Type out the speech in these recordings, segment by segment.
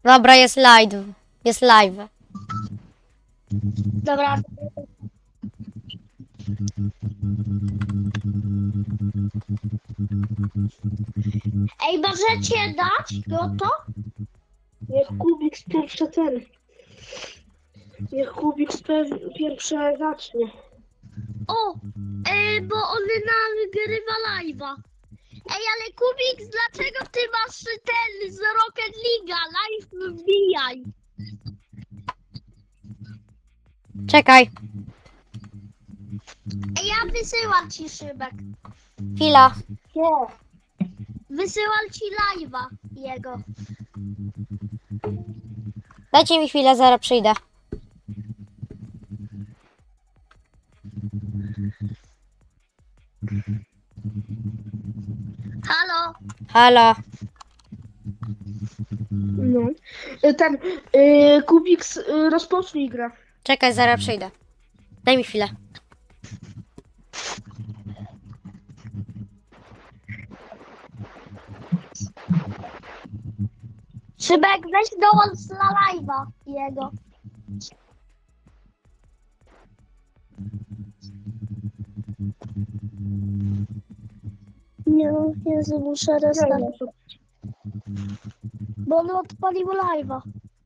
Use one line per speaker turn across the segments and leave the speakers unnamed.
Dobra, jest live. Jest live.
Dobra. Ej, możecie dać go to?
Niech Kubik pierwsze ten. Niech Kubik pierwsze zacznie.
O, bo on nagrywa live'a. Ej, ale Kubik, dlaczego ty masz ten z Rocket League'a? Live wbijaj.
Czekaj.
Ej, ja wysyłam ci szybek.
Chwila.
Co?
Wysyłam ci live'a jego.
Dajcie mi chwilę, zaraz przyjdę.
Halo?
Halo.
No. Ten Kubik rozpocznij grę.
Czekaj, zaraz przyjdę. Daj mi chwilę.
Szybek, weź dołącz na live'a jego. Nie, Jezu, muszę restartować, bo on odpalił live'a.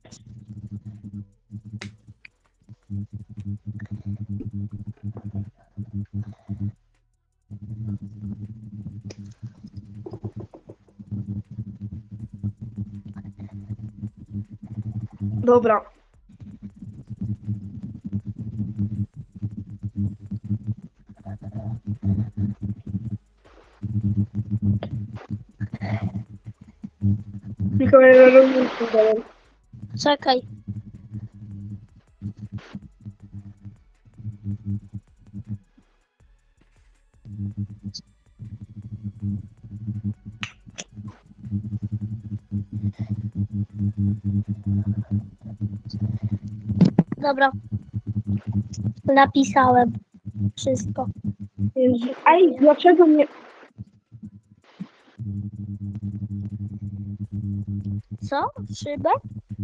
Dobra. Tylko ja rozumiem.
Czekaj. Dobra. Napisałem wszystko.
Jezu. Ej, dlaczego nie...
Co? Szybek?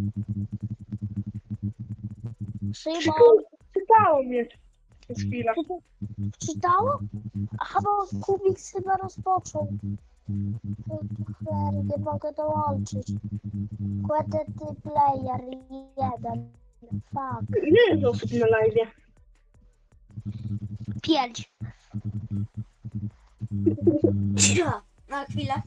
Szybek.
Czytało mnie przez chwilę.
Czytało? Aha, bo Kubik chyba rozpoczął. Cholery, nie mogę dołączyć. Quantity player 1. Fuck.
Nie jest osób na live.
5.
Na chwilę.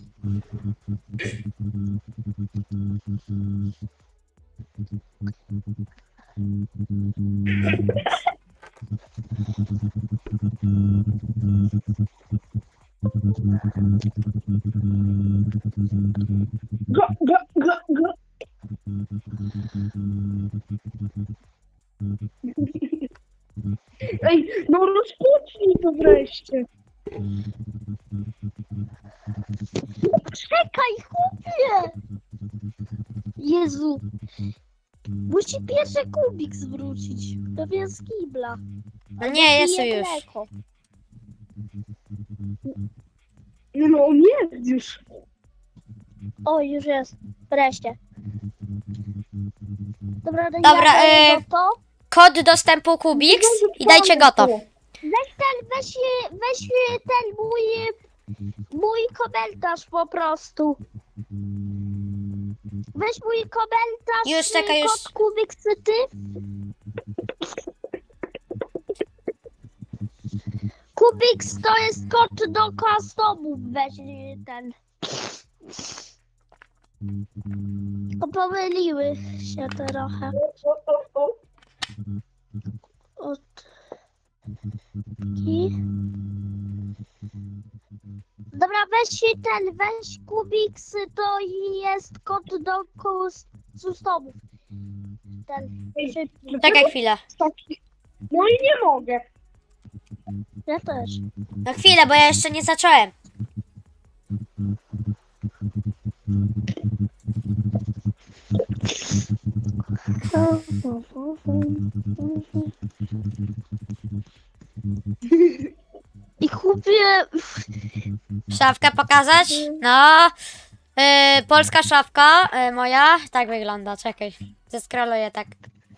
Go, go, go, go. Ej, no rozpocznij to wreszcie.
Czekaj, chłopie! Jezu. Musi pierwszy Kubik zwrócić. Pewnie z kibla.
No nie, jestem
Bije
już.
Greko.
No on jest już.
O, już jest. Wreszcie. Dobra, no
Dobra,
ja daję to.
Kod dostępu Kubix i dajcie go to.
Weź ten mój komentarz po prostu. Weź mój komentarz.
Już, czekaj, już.
Kod Kubik, ty. Kubix to jest kod do customu. Weź ten. To pomyliły się trochę. Od... Dobra, weź Kubix, to jest kod do customu. Ten.
Czekaj chwilę.
No i nie mogę.
Ja też.
No chwilę, bo ja jeszcze nie zacząłem.
I kupię...
Szafkę pokazać? No. Polska szafka moja. Tak wygląda, czekaj. Zeskroluję tak.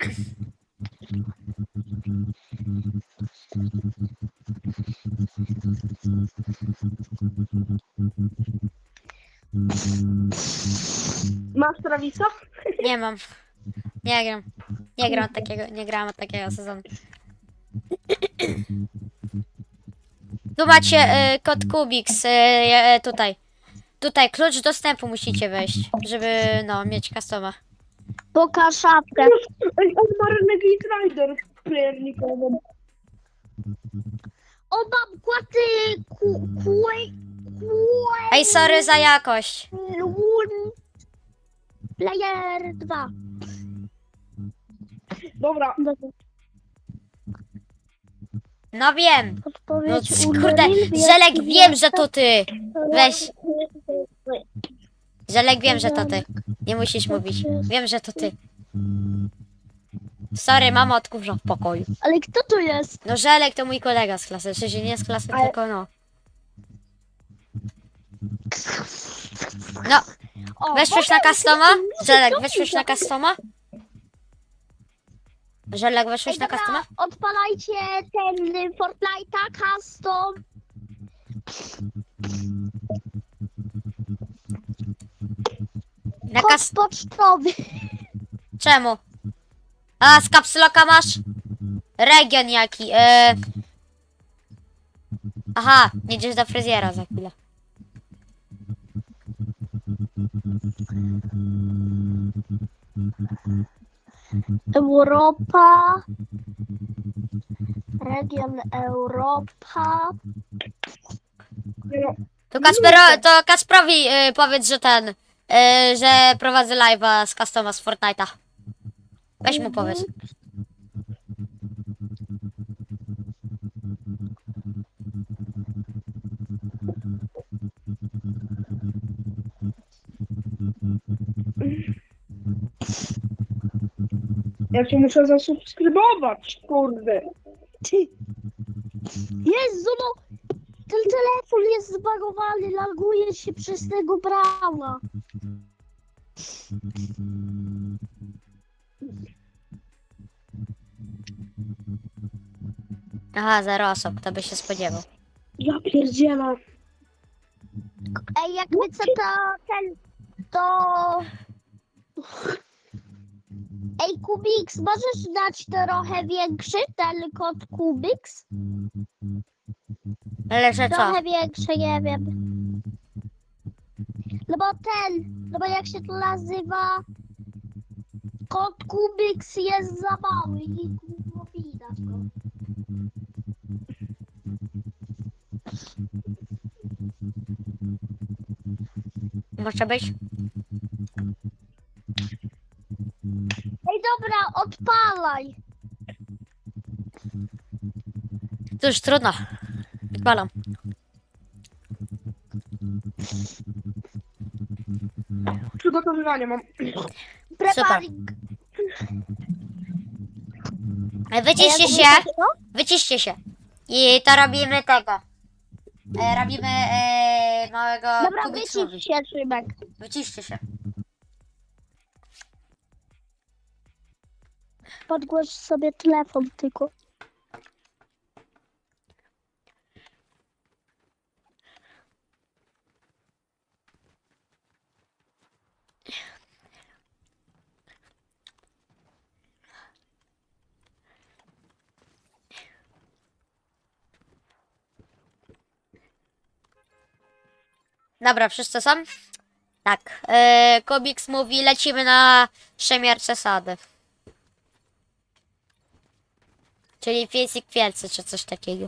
Masz Travisa?
Nie mam. Nie gram. Nie gram takiego, nie grałem od takiego sezonu. Tu macie kod Kubiks, tutaj. Tutaj klucz dostępu musicie wejść, żeby no mieć customa.
Pokaż szafkę.
Ej, on ma Renegade Rider playernikową.
O, mam kłaty...
Ej, sorry za jakość.
Player 2.
Dobra,
No wiem. No
Odpowiedź
kurde, Żelek, wiem, że to ty. Weź. Żelek, wiem, że to ty. Nie musisz mówić. Wiem, że to ty. Sorry, mama odkurza w pokoju.
Ale kto to jest?
No Żelek to mój kolega z klasy. W sensie nie z klasy, tylko no. No,
O,
weszłeś na customa? Żelek, weszłeś na customa? Żelek, weszłeś na
dobra,
customa?
odpalajcie ten Fortnite'a custom.
Na
Kod
kas...
pocztowy.
Czemu? A, z kapsloka masz? Region jaki? Aha, jedziesz do fryzjera za chwilę.
Europa. Region Europa.
no,
To Kasprowi powiedz, że że prowadzę live'a z customa z Fortnite'a. Weź mu powiedz.
ja cię muszę zasubskrybować, kurde.
Jezu, no. Ten telefon jest zbagowany, laguje się przez tego brała.
Aha, 0 osób, kto by się spodziewał.
Ja pierdzielę.
Ej, jak chcę to... Ej, Kubiks, możesz dać trochę większy ten kod Kubiks?
Ale że co?
Trochę większy, nie wiem. No bo jak się to nazywa? Kod Kubiks jest za mały i nie widać go.
Może być?
Ej, dobra, odpalaj.
Cóż, trudno. Odpalam.
Przygotowywanie mam.
Preparing.
Wyciście się. Wyciście się. I to robimy tego. Robimy małego
Dobra,
Kubiksowi.
wycisz się, Szymek.
Wyciście się.
Podgłoś sobie telefon tylko.
Dobra, wszyscy są? Tak. Kubiks mówi, lecimy na szemierce sady. Czyli piesik wielcy, czy coś takiego.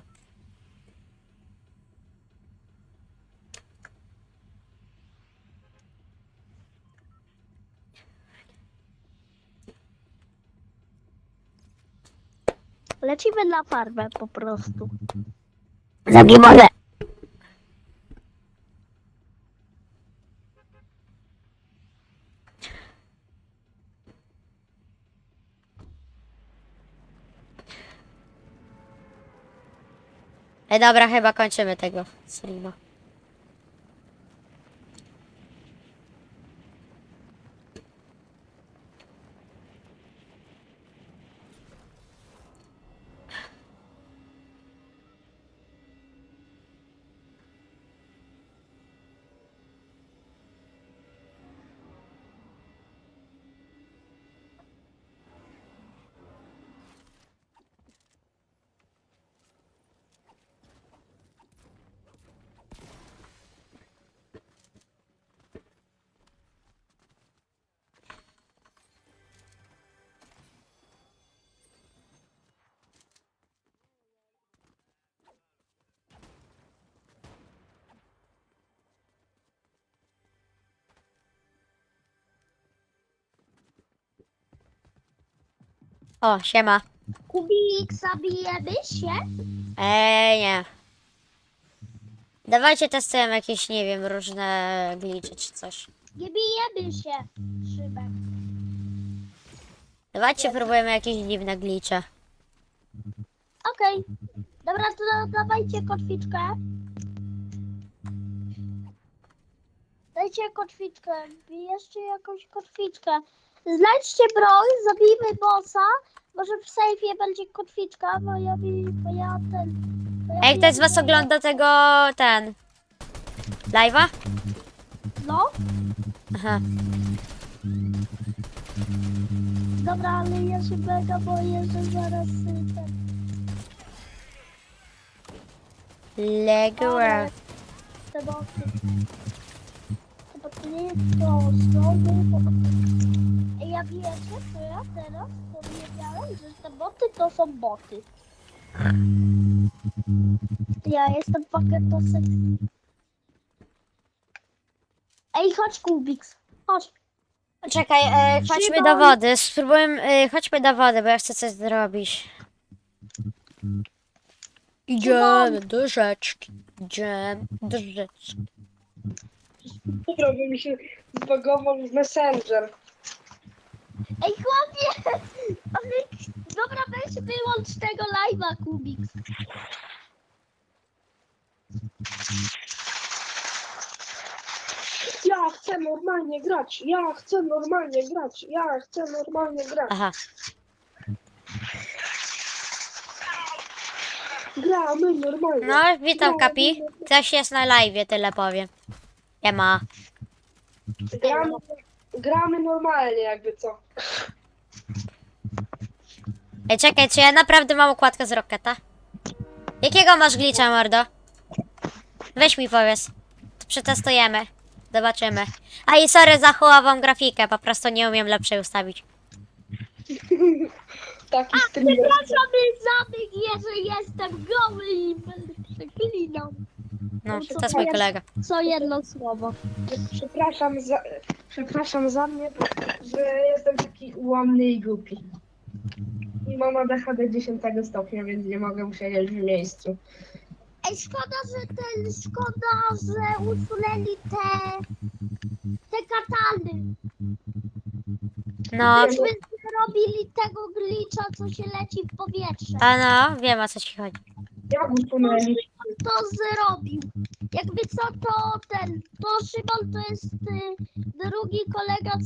Lecimy na farmę po prostu.
Zagi może. Dobra, chyba kończymy tego streama. O, siema.
Kubik, zabijemy się?
Nie. Dawajcie testujemy jakieś, nie wiem, różne glitche czy coś.
Nie bijemy się, Szybek.
Dawajcie próbujemy jakieś dziwne glitche.
Okej. Dobra, to dawajcie kotwiczkę. Dajcie kotwiczkę. Bierzcie jakąś kotwiczkę. Znajdźcie broń, zabijmy bossa. Może w sejfie będzie kotwiczka, bo ja ten... bo ja
A jak ktoś z was
wiem-
ogląda tego, live'a?
No,
Aha.
dobra, ale ja się mega boję, że zaraz ten...
Legua.
Te boty. Chyba to nie jest to znowu, bo... Ej, ja wiecie, co ja teraz powiedziałem, że te boty to są boty. Ja jestem paketosem. Ej, chodź Kubiks, chodź.
Czekaj, chodźmy do wody. Spróbujmy, chodźmy do wody, bo ja chcę coś zrobić. Idziemy do rzeczki. Idziemy do rzeczki.
Dobra, bo mi się zbagował w Messenger.
Ej, chłopie! Ale... Dobra, weź wyłącz tego live'a, Kubiks.
Ja chcę normalnie grać, ja chcę normalnie grać, ja chcę normalnie grać.
Aha.
Gramy normalnie.
No, witam Kapi. Ktoś jest na live, tyle powiem. Nie ma.
Gramy normalnie, jakby co.
Ej, czekaj, czy ja naprawdę mam układkę z Rocketa? Jakiego masz glitcha, mordo? Weź mi powiedz. To przetestujemy. Zobaczymy. A i sorry za chułową grafikę, po prostu nie umiem lepszej ustawić.
Taki streamer.
Przepraszam, zabieg, że jestem goły i będę przeklinał.
No,
Co
to jest mój
jest?
kolega.
Co jedno słowo.
Przepraszam za mnie, że jestem taki ułomny i głupi. I mam ADHD 10 stopnia, więc nie mogę siedzieć w miejscu.
Ej, szkoda, że usunęli te katany.
No,
Myśmy robili tego glitcha, co się leci w powietrze.
a no, wiem o co ci chodzi.
Jak usunęli?
To zrobił. Jakby co, to Szymon to jest drugi kolega,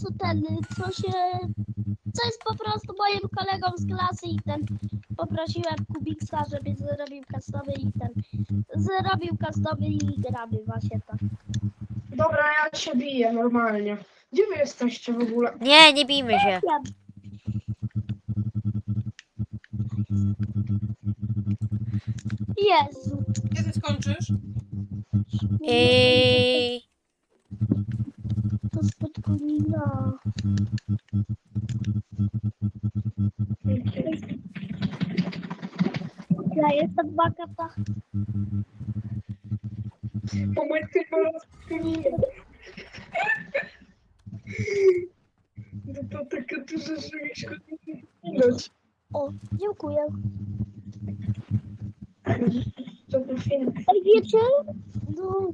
co jest po prostu moim kolegą z klasy i poprosiłem Kubiksa, żeby zrobił customy i zrobił customy i gramy właśnie tak.
Dobra, ja się biję normalnie. Gdzie wy jesteście w ogóle?
Nie, nie bijmy się.
Jezu.
Kiedy skończysz?
I...
To spotkonina. Ja jestem bakata.
Po mój tylko rozkminię. No to taka duża, że mi szkodzi minąć.
O, dziękuję.
Co to film?
Ej, wiecie? No,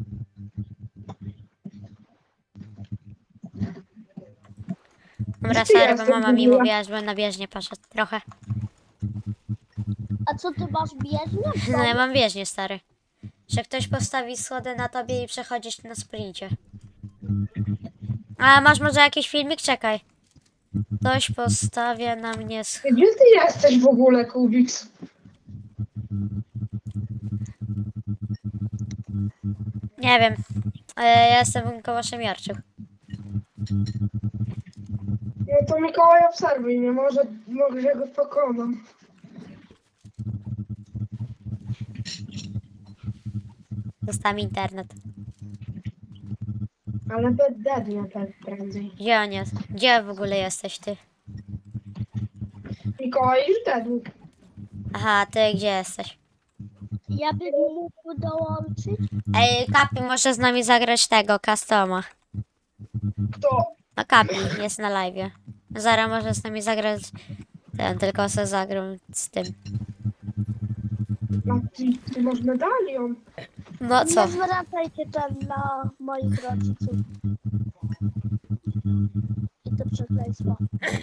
Dobra,
Gdzie
sorry, bo
jesteś
mama
w
mi
ogóle?
mówiła, żebym na bieżnię poszedł trochę.
a co ty masz bieżnię?
No ja mam bieżnię, stary. Że ktoś postawi schody na tobie i przechodzisz na sprincie. A masz może jakiś filmik? Czekaj. Ktoś postawia na mnie
Gdzie ty jesteś w ogóle, Kubiks?
Nie wiem. Ja jestem koło Szemiarczuk.
No to Mikołaj obserwuj mnie, może go pokonam.
Dostałem internet.
Ale dednie prędzej.
Gdzie on jest? Gdzie w ogóle jesteś ty?
Mikołaj już dedł.
Aha, ty gdzie jesteś?
Ja bym mógł dołączyć.
Ej, Kapi może z nami zagrać tego, customa.
Kto?
No Kapi jest na live. Zara może z nami zagrać Ten tylko se zagrał z tym.
A ty masz medalion.
No co?
Nie zwracajcie tam na moich rodziców. I to przekleństwo.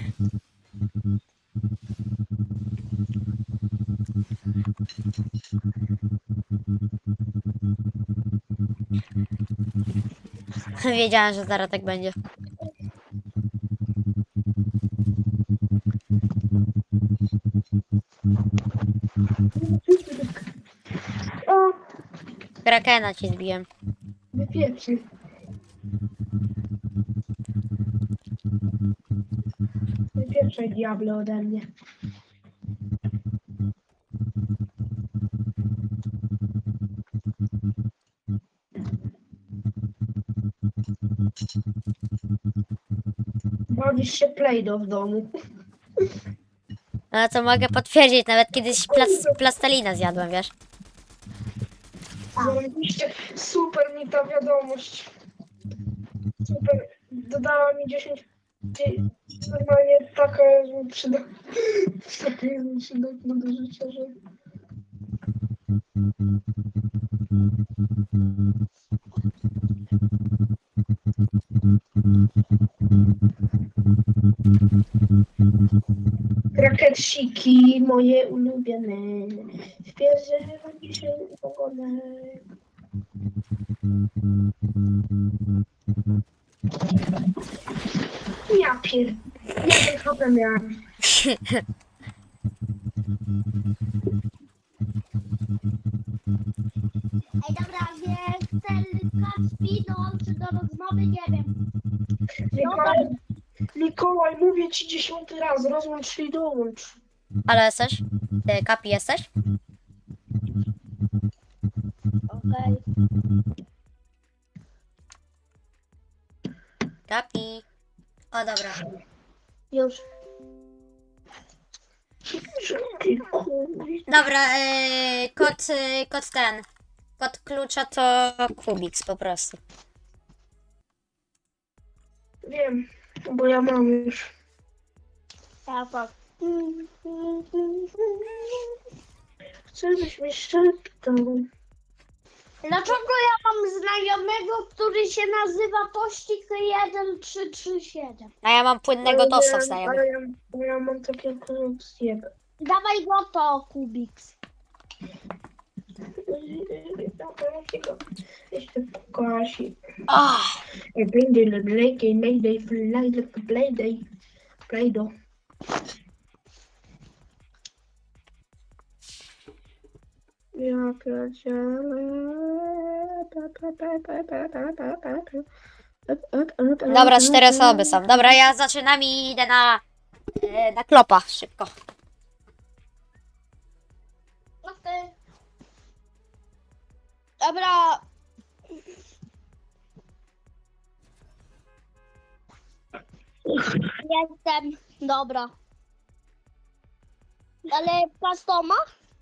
Wiedziałem, że zaraz tak będzie.
O,
Krakena ci zbiłem.
wypieprzy. Wypieprzaj diable ode mnie. Bawisz się Play-Doh w domu.
No to mogę potwierdzić, nawet kiedyś plastelina zjadłem, wiesz?
Zarobiście. Super mi ta wiadomość. Super. Dodała mi 10. Normalnie taka jest mi przydatna. Taka jest mi przydatna do życia, że... Raketsiki moje ulubione. W pierze chyba dzisiaj pogodę. Ja pier... Ja ten HP miałem.
Ej, dobra, wiesz, ten Kacpino, czy do rozmowy, nie wiem.
Mikołaj, mówię ci 10 raz, rozłącz się i dołącz.
Ale jesteś? Ty, Kapi, jesteś?
Okej.
Kapi. O, dobra.
Już.
Dobra, kod ten. Kod klucza to Kubiks po prostu.
Wiem, bo ja mam już.
Ja tak.
Chcę, żebyś mi szeptał.
Dlaczego ja mam znajomego, który się nazywa Tościk 1337?
A ja mam płynnego tosta
Ale
znajomych.
ja mam takie korupcje.
Dawaj go to, Kubiks.
Jeszcze pokasi.
Oh,
Będzie lepiej, mayday, fly, playday. Playdo. Ja pierdzielę.
dobra, 4 osoby są. Dobra, ja zaczynam i idę na klopa szybko.
Okej. Dobra. Jestem. Dobra. Ale customa?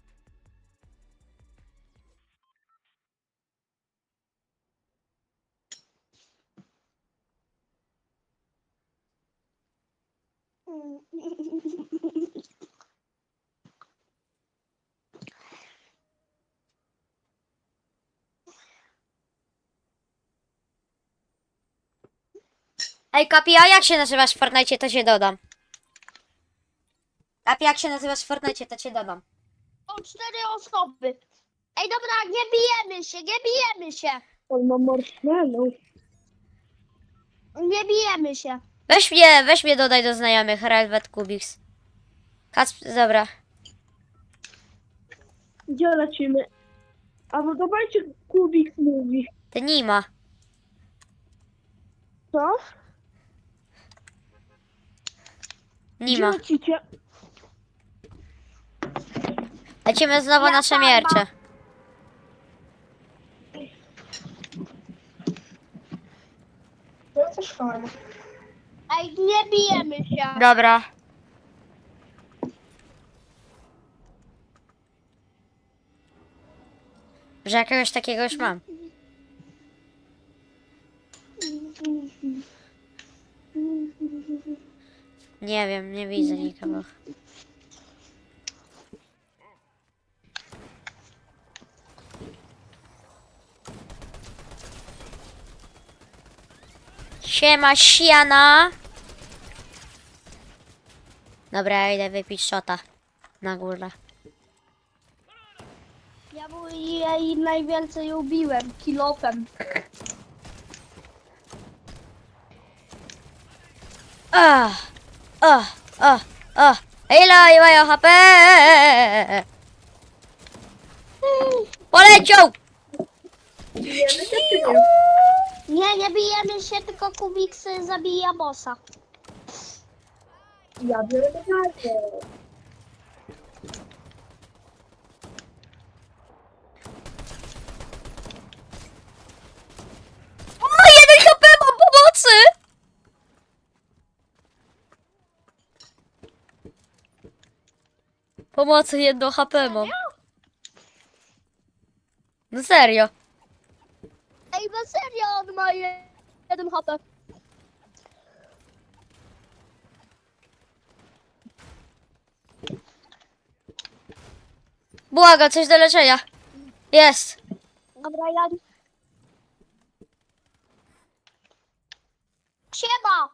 Ej, Kapi, a jak się nazywasz w Fortnite, to cię dodam. Kapi, jak się nazywasz w Fortnite, to cię dodam.
Są 4 osoby. Ej, dobra, nie bijemy się, nie bijemy się.
On ma marshmallow.
Nie bijemy się.
Weź mnie dodaj do znajomych, Relvet Kubiks. Dobra.
Gdzie lecimy? A no dawajcie, Kubik mówi.
Ty nie ma.
Co?
Nie ma.
lecicie?
Lecimy znowu
Ja
na
sama.
szemiercze.
Ja też farmę.
Ej, nie bijemy się.
Dobra. Że jakiegoś takiego już mam. Nie wiem, nie widzę nikogo. Siema, siana. Dobra, ja idę wypić shota. Na górę.
Ja jej najwięcej ubiłem kilofem.
O, o, o. Ile mają HP? Poleciał!
Bijemy się czy nie?
Nie bijemy się, tylko Kubiksy zabija bossa.
Ja biorę medalię.
O, 1 HP mam pomocy! Pomocy, 1 HP mam. No serio.
Ej, na serio, on ma 1 HP.
Błaga, coś do leczenia. Jest.
Dobra, ja... Siema!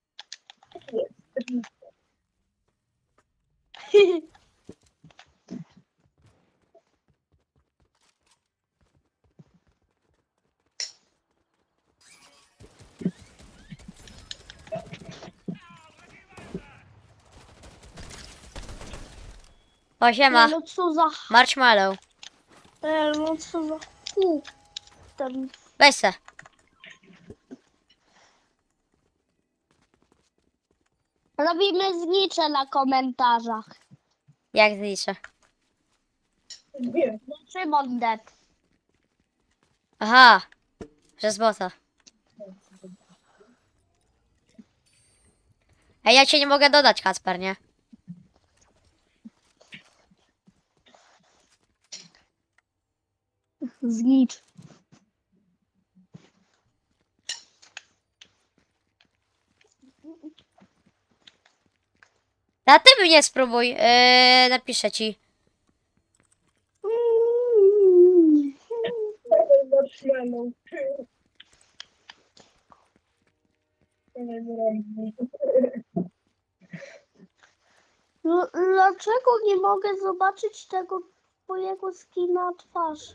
O, siema.
No co za...
Marshmallow.
No co za... Hu. Ten...
Weź se.
Robimy znicze na komentarzach.
Jak zliczę?
Nie.
No, Szymon dead.
Aha. Przez bota. Ej, ja cię nie mogę dodać, Kacper, nie?
Znicz.
A ty mnie spróbuj. Napiszę ci.
Marshmallow.
No, dlaczego nie mogę zobaczyć tego twojego skina twarz?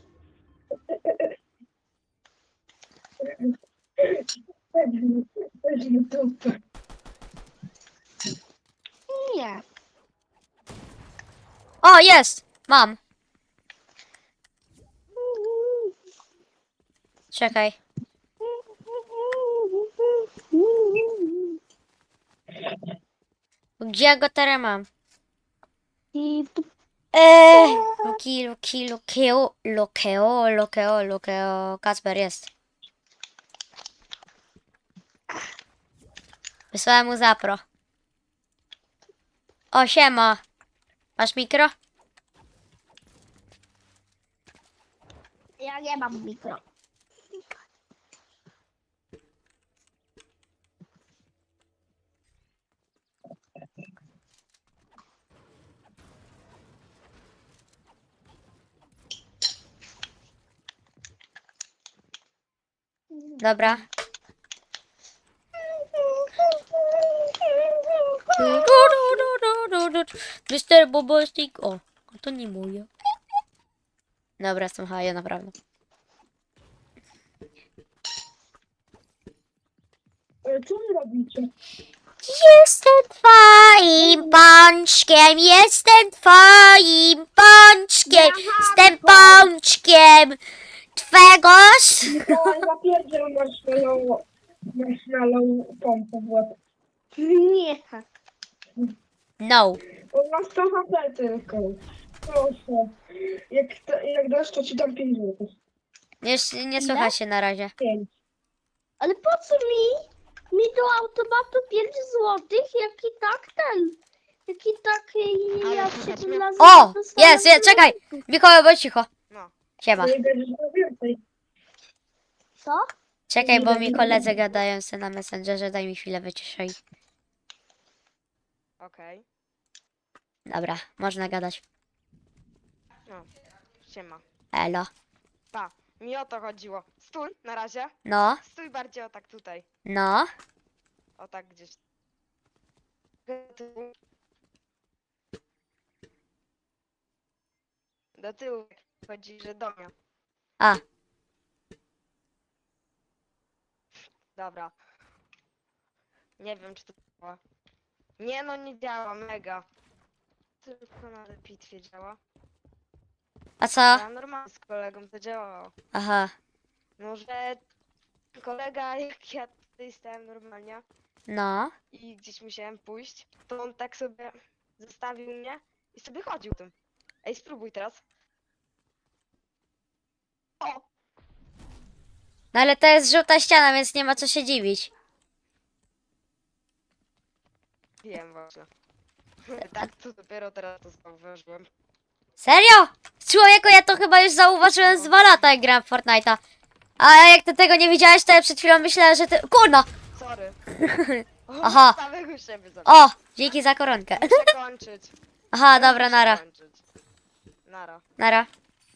Weźmy dupę.
Nie.
O, jest! Mam. Czekaj. Gdzie ja go teraz mam?
I tu
Lukeo. Kacper jest. Wysłałem mu zapro. O, siema. Masz mikro?
ja nie mam mikro.
Dobra. Mr. Bobostik. O, to nie moje. Dobra, jestem haja, naprawdę.
Co wy robicie?
Jestem twoim pączkiem, jestem twoim pączkiem, jestem pączkiem twego.
Mikołaj zapierdziel marshmallow pompę w łeb.
Nie.
No.
On ma 100 HP tylko. Proszę. Jak dasz, to ci dam 5 zł.
Nie słychać się na razie.
5.
Ale po co mi? Mi do automatu 5 złotych, jak i tak ten. Jak i tak ja się
O! Jest, czekaj! Mikołaj, bądź cicho.
No.
Siema.
Nie będziesz miał więcej.
Co?
Czekaj, bo mi koledzy gadają se na Messengerze, daj mi chwilę, wyciszaj.
Okej.
Dobra, można gadać.
No. Siema.
Elo.
Pa. Mi o to chodziło. Stój, na razie.
No,
Stój bardziej o tak tutaj.
no.
O tak gdzieś. Do tyłu. Do tyłu chodzi, że do mnie.
A,
Dobra. Nie wiem, czy to działa. Nie no, nie działa, mega. Tylko na bitwie działa.
a co?
Ja normalnie z kolegą to działało.
Aha,
Może kolega, jak ja tutaj stałem normalnie
no.
i gdzieś musiałem pójść, to on tak sobie zostawił mnie i sobie chodził tym. Ej, spróbuj teraz. O!
No ale to jest żółta ściana, więc nie ma co się dziwić.
Wiem właśnie. Tak, to dopiero teraz to zauważyłem.
Serio? Człowieku, ja to chyba już zauważyłem z 2 lata, jak grałem w Fortnite'a. A jak ty tego nie widziałeś, to ja przed chwilą myślałem, że ty... Kurno!
Sorry. O,
Aha.
samego siebie zabiłem.
O! Dzięki za koronkę.
Muszę kończyć.
Aha, dobra,
Muszę
nara.
kończyć. Nara.
Nara.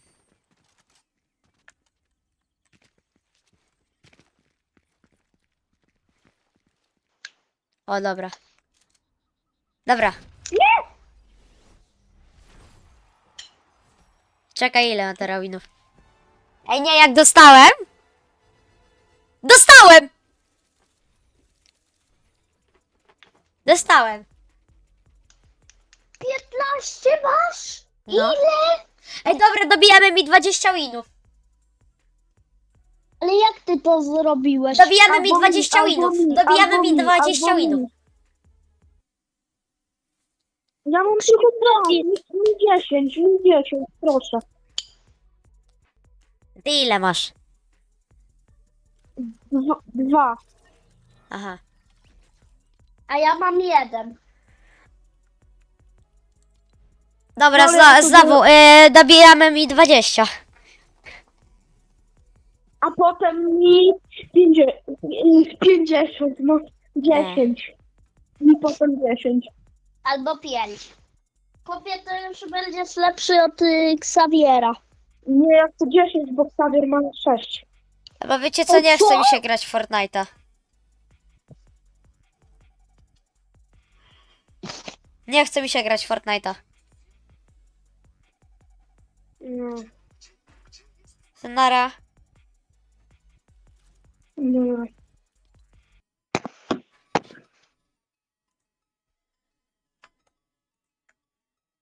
O, dobra. Dobra. Czekaj, ile mam terabinów? Ej, nie, jak dostałem? Dostałem! Dostałem.
15 masz?
No.
Ile?
Ej, dobra, dobijamy mi 20 winów.
Ale jak ty to zrobiłeś?
Dobijamy mi
Albo
20
albo
winów.
mi,
Dobijamy
albo
mi 20
albo
winów.
mi. Ja mam tylko 10, 10, proszę.
Ty ile masz?
2.
Aha.
A ja mam 1.
Dobra,
Dobra, to
znowu, dobijamy mi 20.
A potem mi 50, no 10. I potem 10. Albo 5. Chłopie, to już będziesz lepszy od Xaviera. Nie, ja chcę 10, bo Xavier ma 6.
Bo wiecie co, nie
co?
chce mi się grać w Fortnite'a. Nie chce mi się grać w Fortnite'a.
No,
Nara.
no.